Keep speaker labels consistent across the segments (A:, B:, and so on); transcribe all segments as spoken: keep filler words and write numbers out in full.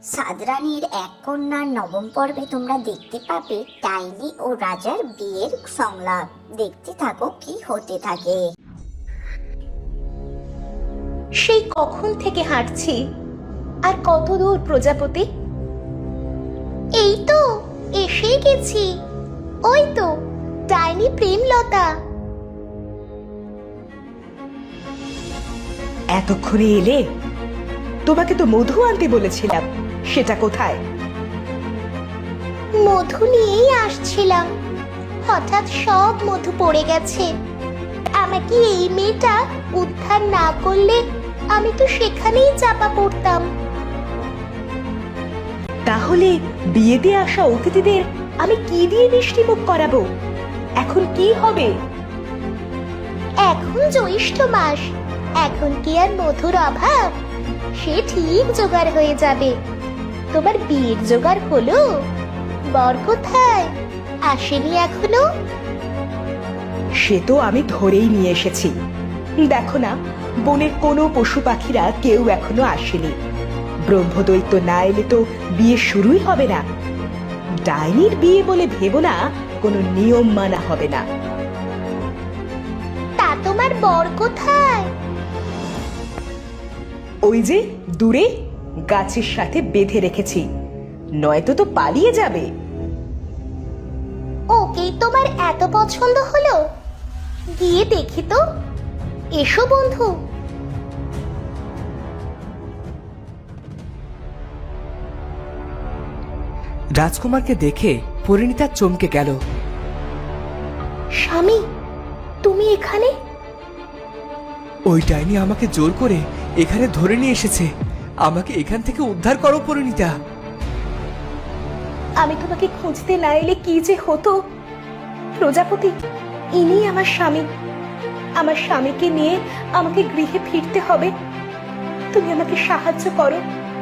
A: সাদরানীর এক কন্যার নবম পর্বে তোমরা দেখতে পাবে ডাইনি ও রাজার বিয়ের সংলাপ। দেখতে থাকো কি হতে থাকে।
B: সেই কখন থেকে হাঁটছি, আর কত দূর প্রজাপতি? এই তো এসে গেছি। ওই তো ডাইনি প্রেমলতা।
C: এতক্ষণে এলে? তোমাকে তো মধু আনতে বলেছিলাম, সেটা কোথায়?
B: মধু নিয়েই আসছিলাম, হঠাৎ সব মধু পড়ে গেছে। আমাকে এই মেয়েটা উদ্ধার না করলে আমি তো সেখানেই চাপা পড়তাম।
C: তাহলে বিয়েতে আসা অতিথিদের আমি কি দিয়ে মিষ্টি মুখ করাবো? এখন কি হবে?
B: এখন জ্যৈষ্ঠ মাস, এখন কি আর মধুর অভাব? সে ঠিক জোগাড় হয়ে যাবে। তোমার বিয়ের জোগাড় হলো? বর কোথায়? আসেনি এখনো?
C: সে তো আমি ধরেই নিয়ে এসেছি। দেখো না, বনের কোনো পশু পাখিরা কেউ এখনো আসেনি। ব্রহ্মদৈত্য না এলে তো বিয়ে শুরুই হবে না। ডাইনির বিয়ে বলে ভেবো না কোনো নিয়ম মানা হবে না।
B: তা তোমার বর কোথায়?
C: ওই যে দূরে গাছের সাথে বেঁধে রেখেছি, নয়তো তো পালিয়ে যাবে।
B: ওকেই তোমার এত পছন্দ হলো? গিয়ে দেখি তো। এসো বন্ধু।
D: রাজকুমারকে দেখে পরিণীতা চমকে গেল।
B: স্বামী, তুমি এখানে?
D: ওই ডাইনি আমাকে জোর করে এখানে ধরে নিয়ে এসেছে। আমাকে এখান থেকে উদ্ধার করো পরিণীতা।
C: আমি তোমাকে খুঁজতে না এলে কি যে হতো। প্রজাপতি, ইনি আমার স্বামী। আমার স্বামীকে নিয়ে আমাকে গৃহে ফিরতে হবে। তুমি আমাকে সাহায্য করো।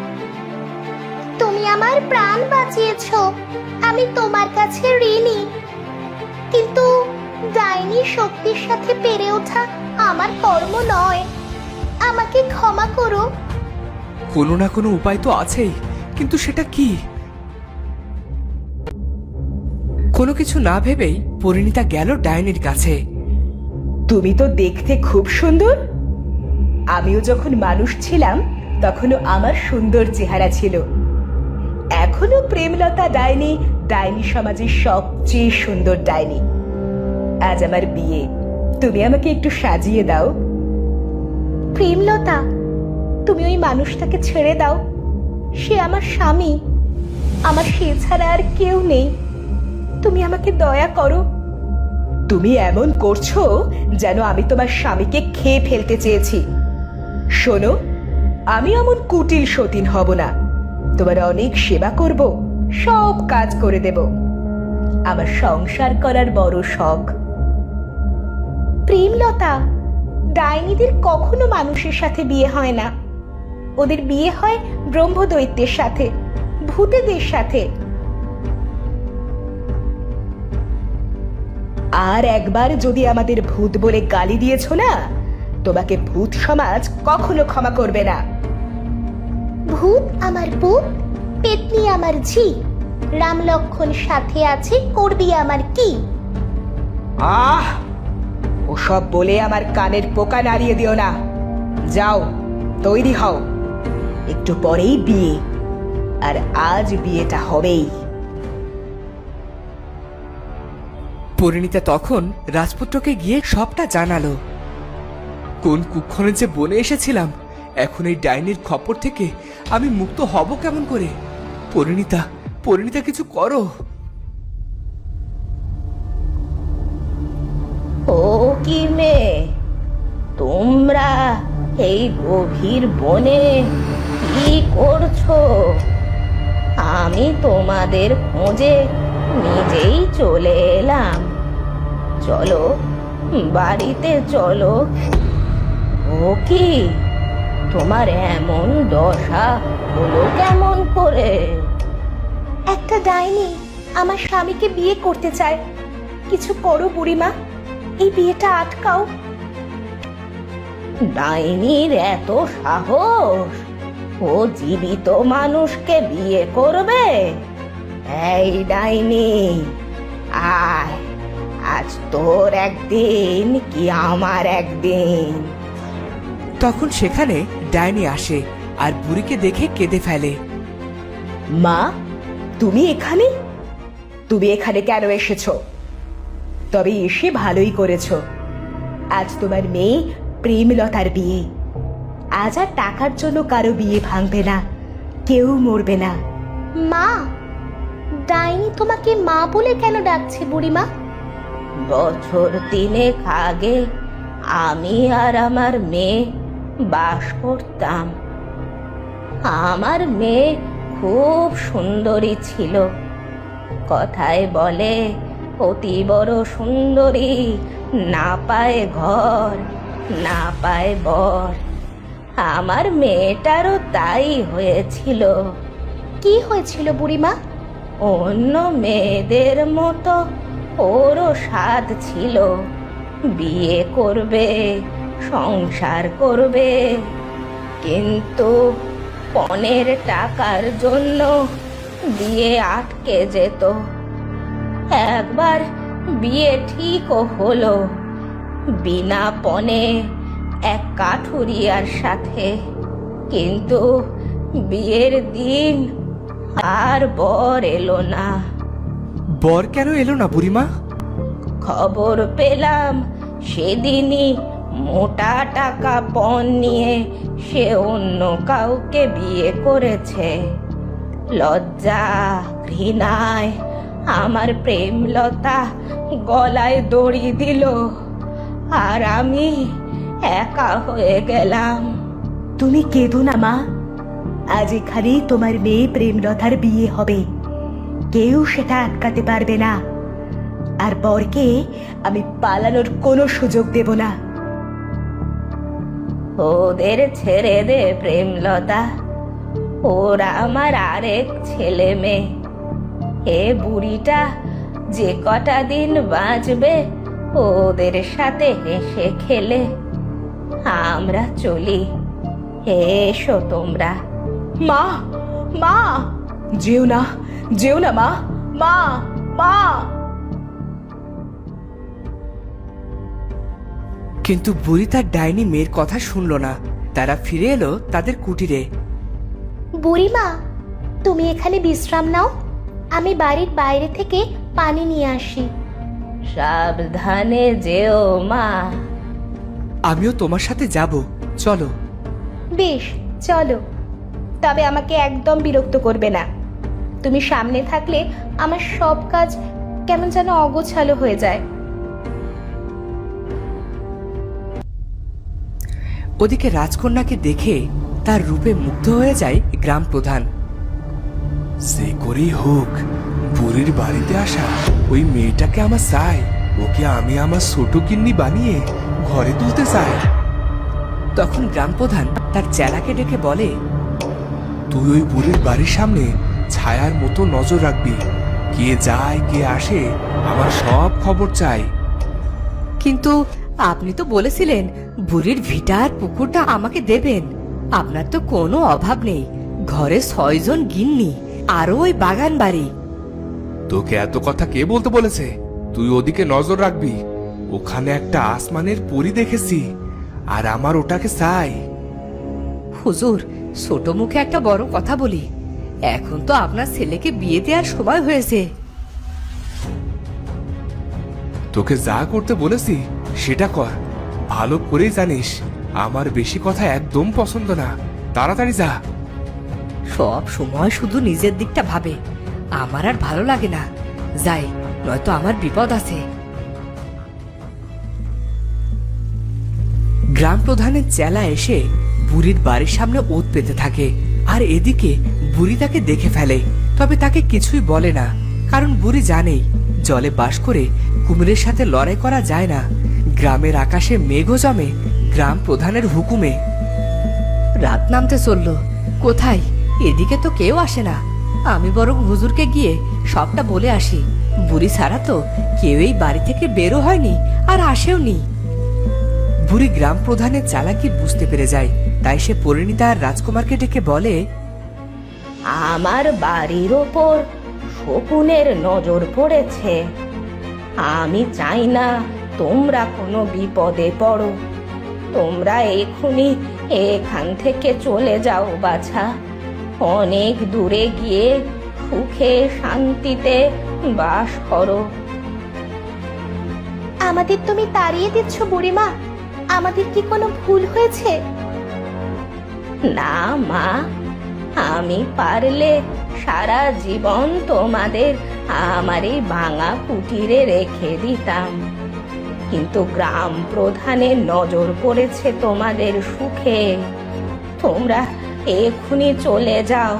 B: তুমি আমার প্রাণ বাঁচিয়েছো, আমি তোমার কাছে ঋণী। কিন্তু ডাইনির শক্তির সাথে পেরে ওঠা আমার কর্ম নয়। আমাকে ক্ষমা করো।
D: কোনো না কোনো উপায় তো আছেই, কিন্তু সেটা কি? কোনো কিছু না ভেবেই পরিণীতা গেল ডাইনির কাছে।
C: তুমি তো দেখতে খুব সুন্দর। আমিও যখন মানুষ ছিলাম তখনও আমার সুন্দর চেহারা ছিল। এখনো প্রেমলতা ডাইনি ডাইনি সমাজের সবচেয়ে সুন্দর ডাইনি। আজ আমার বিয়ে, তুমি আমাকে একটু সাজিয়ে দাও।
B: প্রেমলতা, তুমি ওই মানুষটাকে ছেড়ে দাও। সে আমার স্বামী, আমার সে ছাড়া আর কেউ নেই। তুমি আমাকে দয়া করো।
C: তুমি এমন করছো যেন আমি তোমার স্বামীকে খেয়ে ফেলতে চেয়েছি। শোনো, আমি এমন কুটিল সতীন হব না। তোমার অনেক সেবা করব, সব কাজ করে দেব। আমার সংসার করার বড় শখ।
B: প্রেমলতা, ডাইনিদের কখনো মানুষের সাথে বিয়ে হয় না। ওদের বিয়ে হয় ব্রহ্মদৈত্যের সাথে, ভূতেদের সাথে।
C: আর একবার যদি আমাদের ভূত বলে গালি দিয়েছো না, তোমাকে ভূত সমাজ কখনো ক্ষমা করবে না।
B: ভূত আমার পুত, পেতনি আমার ঝি, রাম লক্ষণ সাথে আছে, করবি আমার কি?
C: আহ, ওসব বলে আমার কানের পোকা নাড়িয়ে দিও না। যাও, তৈরি হও। একটু পরেই বিয়ে, আর আজ বিয়েটা হবেই।
D: পরিণীতা তখন রাজপুত্রকে গিয়ে সবটা জানালো। কোন কুক্ষণে যে বনে এসেছিলাম, এখন এই ডাইনির খপ্পর থেকে আমি মুক্ত হব কেমন করে? পরিণীতা, পরিণীতা কিছু করো।
B: ও কি মেয়ে, তোমরা এই গভীর বনে কি করছো? আমি তোমাদের খোঁজে নিজেই চলে এলাম। চলো, বাড়িতে চলো। ও কি, তোমার এমন দশা হলো কেমন করে? একটা ডাইনি আমার স্বামীকে বিয়ে করতে চায়। কিছু করো বুড়িমা, এই বিয়েটা আটকাও। ডাইনির এত সাহস!
C: ও জীবিত মানুষকে বিয়ে করবে? এই ডাইনি, আয়, আজ তোর একদিন কি আমার একদিন।
D: তখন সেখানে ডাইনি আসে আর বুড়িকে দেখে কেঁদে ফেলে।
C: মা, তুমি এখানে? তুমি এখানে কেন এসেছো? তবে এসে ভালোই করেছো। আজ তোমার মেয়ে প্রেমলতার বিয়ে। আজ আর টাকার জন্য কারো বিয়ে ভাঙবে না, কেউ মরবে না।
B: মা, ডাইনি তোমাকে মা বলে কেন ডাকছে বুড়িমা?
C: বছর তিনেক আগে আমি আর আমার মেয়ে বাস করতাম। আমার মেয়ে খুব সুন্দরী ছিল। কথায় বলে, অতি বড় সুন্দরী না পায় ঘর, না পায় বর। আমার মেয়েটারও তাই হয়েছিল।
B: কি হয়েছিল বুড়িমা?
C: অন্য মেয়েদের মতো ওরও স্বাদ ছিল, বিয়ে করবে, সংসার করবে, কিন্তু পণের টাকার জন্য বিয়ে আটকে যেত। একবার বিয়ে ঠিকও হলো, বিনা পণে এক কাঠুরিয়ার সাথে, কিন্তু বিয়ের দিন আর বর এলো না।
D: বর কেন এলো না বুড়িমা?
C: খবর পেলাম সেদিনই মোটা টাকা পণ নিয়ে সে অন্য কাউকে বিয়ে করেছে। লজ্জা ঘৃণায় আমার প্রেমলতা গলায় দড়ি দিল, আর আমি একা হয়ে গেলাম। তুমি কেঁদো না মা, আজ এখানেই তোমার মেয়ে প্রেমলতার বিয়ে হবে। কেউ সেটা আটকাতে পারবে না, আর বরকে আমি পালানোর কোনো সুযোগ দেব না। ওদের ছেড়ে দে প্রেমলতা, ওরা আমার আরেক ছেলে মেয়ে। এ বুড়িটা যে কটা দিন বাঁচবে ওদের সাথে হেসে খেলে আমরা চলি। এসো তোমরা। মা, মা, যেও না, যেও না মা, মা, মা।
D: কিন্তু বুড়ি তার ডাইনি মেয়ের কথা শুনলো না। তারা ফিরে এলো তাদের কুটিরে।
B: বুড়িমা, তুমি এখানে বিশ্রাম নাও, আমি বাড়ির বাইরে থেকে পানি নিয়ে আসি।
C: সাবধানে যেও মা।
D: আমিও তোমার সাথে যাব, চলো।
B: বেশ, চলো।
C: তবে আমাকে একদম বিরক্ত করবে না। তুমি সামনে থাকলে আমার সব কাজ কেমন যেন অগোছালো হয়ে যায়।
D: ওদিকে রাজকন্যাকে দেখে তার রূপে মুগ্ধ হয়ে যায় গ্রাম প্রধান।
E: সে করেই হোক, বুড়ির বাড়িতে আসা ওই মেয়েটাকে আমার চাই। ওকে আমি আমার ছোট কিন্নি বানিয়ে ঘরে তুলতে চাই।
D: তখন গ্রাম প্রধান তার চেলাকে ডেকে বলে,
E: তুই ওই বুড়ির বাড়ির সামনে ছায়ার মতো নজর রাখবি। কে যায় কে আসে আমার সব খবর চাই।
F: কিন্তু আপনি তো বলেছিলেন বুড়ির ভিটা আর পুকুরটা আমাকে দেবেন। আপনার তো কোনো অভাব নেই, ঘরে ছয়জন গিন্নি, আরো ওই বাগান বাড়ি।
E: তোকে এত কথা কে বলতে বলেছে? তুই ওদিকে নজর রাখবি। ওখানে একটা আসমানের পরী দেখেছি, আর আমার ওটাকে চাই।
F: হুজুর, ছোট মুখে একটা বড় কথা বলি, এখন তো আপনার ছেলেকে বিয়ে দেওয়ার সময় হয়েছে।
E: তোকে যা করতে বলেছি সেটা কর। ভালো করেই জানিস আমার বেশি কথা একদম পছন্দ না। তাড়াতাড়ি যা।
F: সব সময় শুধু নিজের দিকটা ভাবে, আমার আর ভালো লাগে না। যাই, নয়তো আমার বিপদ আছে।
D: গ্রাম প্রধানের চেলা এসে বুড়ির বাড়ির সামনে ওত পেতে থাকে, আর এদিকে বুড়ি তাকে দেখে ফেলে। তবে তাকে কিছুই বলে না, কারণ বুড়ি জানেই জলে বাস করে কুমিরের সাথে লড়াই করা যায় না। গ্রামের আকাশে মেঘও জমে গ্রাম প্রধানের হুকুমে।
F: রাত নামতে চললো, কোথায়? এদিকে তো কেউ আসে না। আমি বরং হুজুরকে গিয়ে সবটা বলে আসি। বুড়ি ছাড়া তো কেউ এই বাড়ি থেকে বেরো হয়নি আর আসেও নি।
D: বুড়ি গ্রাম প্রধানের চালাকি বুঝতে পেরে যায়। তাই সে পরিণীতা আর রাজকুমারকে ডেকে বলে,
C: আমার বাড়ির ওপর শকুনের নজর পড়েছে। আমি চাই না তোমরা কোনো বিপদে পড়ো। তোমরা এখনই এখান থেকে চলে যাও বাছা। অনেক দূরে গিয়ে সুখে শান্তিতে বাস করো।
B: আমাদের তুমি তাড়িয়ে দিচ্ছ বুড়িমা? আমাদের কি কোনো ভুল হয়েছে?
C: না মা, আমি পারলে সারা জীবন তোমাদের আমার এই ভাঙা কুটিরে রেখে দিতাম, কিন্তু গ্রাম প্রধানের নজর পড়েছে তোমাদের সুখে। তোমরা এক্ষুনি চলে যাও।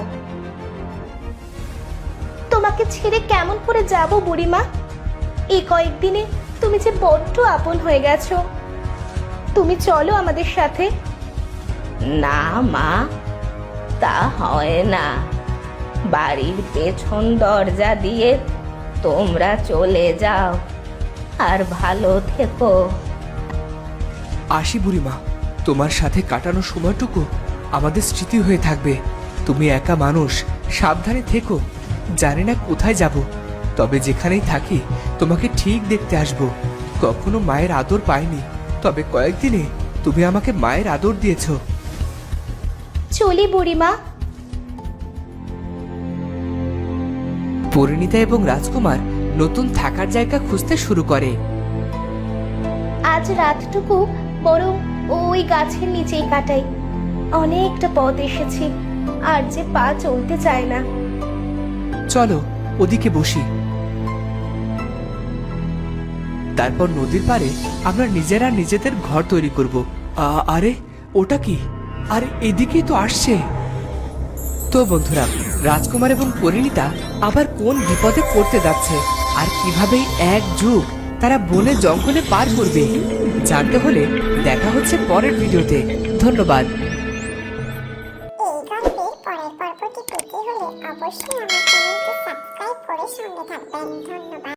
B: তোমাকে ছেড়ে কেমন করে যাব বুড়িমা? এই কয়েকদিনে তুমি যে বড্ড আপন হয়ে গেছো। তুমি চলো আমাদের সাথে।
C: না মা, তা হয় না। বাড়ির পেছন দরজা দিয়ে তোমরা চলে যাও, আর ভালো থেকো।
D: আসি বুড়িমা, তোমার সাথে কাটানো সময়টুকু আমাদের স্মৃতি হয়ে থাকবে। তুমি একা মানুষ, সাবধানে থেকো। জানি না কোথায় যাব, তবে যেখানেই থাকি তোমাকে ঠিক দেখতে আসবো। কখনো মায়ের আদর পাইনি, তবে কয়েকদিনে তুমি আমাকে মায়ের আদর দিয়েছো।
B: চলি বুড়িমা।
D: পরিণীতা এবং রাজকুমার নতুন থাকার জায়গা খুঁজতে শুরু করে।
B: আজ রাতটুকু বরং ওই গাছের নিচেই কাটাই। অনেকটা পথ এসেছি, আর যে পা চলতে চায় না।
D: চলো ওদিকে বসি। তারপর নদীর পাড়ে আমরা নিজেরা নিজেদের ঘর তৈরি করব। আ- আরে ওটা কি? আরে এদিকেই তো আসছে। তো বন্ধুরা, রাজকুমার এবং পরিণীতা আবার কোন বিপদে পড়তে যাচ্ছে, আর কিভাবে এক যুগ তারা বনে জঙ্গলে পার করবে, জানতে হলে দেখা হচ্ছে পরের ভিডিওতে। ধন্যবাদ।
A: এই গল্পের পরের পর্বটি পেতে হলে অবশ্যই আমার চ্যানেলটি সাবস্ক্রাইব করে সঙ্গে থাকবেন। ধন্যবাদ।